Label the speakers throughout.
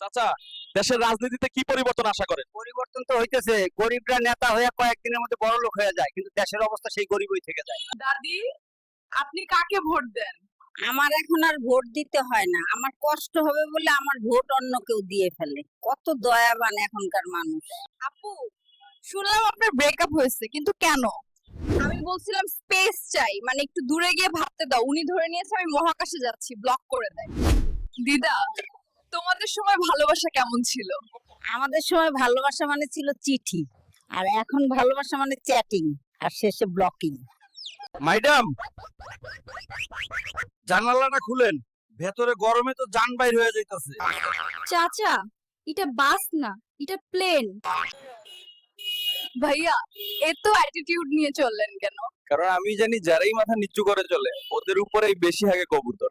Speaker 1: চাচা, দেশের রাজনীতিতে কি পরিবর্তন আশা করেন?
Speaker 2: পরিবর্তন তো হইতেছে, গরিবরা নেতা হয়ে কয়েকদিনের মধ্যে বড় লোক হয়ে যায়, কিন্তু দেশের অবস্থা সেই গরিবই থেকে যায়।
Speaker 3: দাদি, আপনি কাকে ভোট দেন?
Speaker 4: আমার এখন আর ভোট দিতে হয় না, আমার কষ্ট হবে বলে আমার ভোট অন্য কেউ দিয়ে ফেলে। কত দয়াবান এখনকার মানুষ।
Speaker 3: আপু, শুনলাম আপনার ব্রেকআপ হয়েছে, কিন্তু কেন? আমি বলছিলাম স্পেস চাই, মানে একটু দূরে গিয়ে ভাবতে দাও। উনি ধরে নিয়েছে আমি মহাকাশে যাচ্ছি, ব্লক করে দেয়। দিদা, তোমাদের সময় ভালোবাসা কেমন ছিল?
Speaker 4: আমাদের সময় ভালোবাসা মানে ছিল চিঠি, আর এখন ভালোবাসা মানে চ্যাটিং আর শেষে ব্লকিং।
Speaker 2: ম্যাডাম, জানালাটা খুলেন, ভেতরে গরমে তো জান বাইর হয়ে যাইতাছে।
Speaker 3: চাচা, এটা বাস না, এটা প্লেন। ভাইয়া, এত অ্যাটিটিউড নিয়ে চললেন কেন?
Speaker 2: কারণ আমি জানি যারাই মাথা নিচু করে চলে ওদের উপরেই বেশি হাগে কবুতর।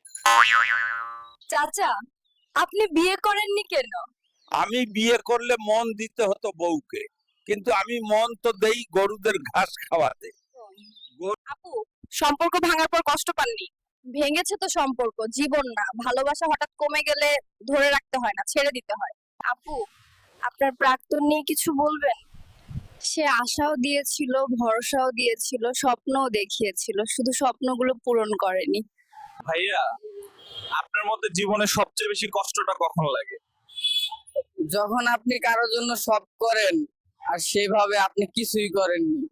Speaker 3: চাচা, আপনি বিয়ে করেননি কেন?
Speaker 2: আমি বিয়ে করলে মন দিতে হতো বউকে, কিন্তু আমি মন তো দেই গরুদের ঘাস খাওয়াতে।
Speaker 3: আপু, সম্পর্ক ভাঙার পর কষ্ট পাননি? ভেঙেছে তো সম্পর্ক, জীবন না। ভালোবাসা হঠাৎ কমে গেলে ধরে রাখতে হয় না, ছেড়ে দিতে হয়। আপু, আপনার প্রাক্তন নিয়ে কিছু বলবেন? সে আশাও দিয়েছিল, ভরসাও দিয়েছিল, স্বপ্নও দেখিয়েছিল, শুধু স্বপ্নগুলো পূরণ করেনি।
Speaker 1: ভাইয়া, আপনার মধ্যে জীবনে সবচেয়ে বেশি কষ্টটা কখন লাগে?
Speaker 5: যখন আপনি কারোর জন্য সব করেন আর সেভাবে আপনি কিছুই করেননি।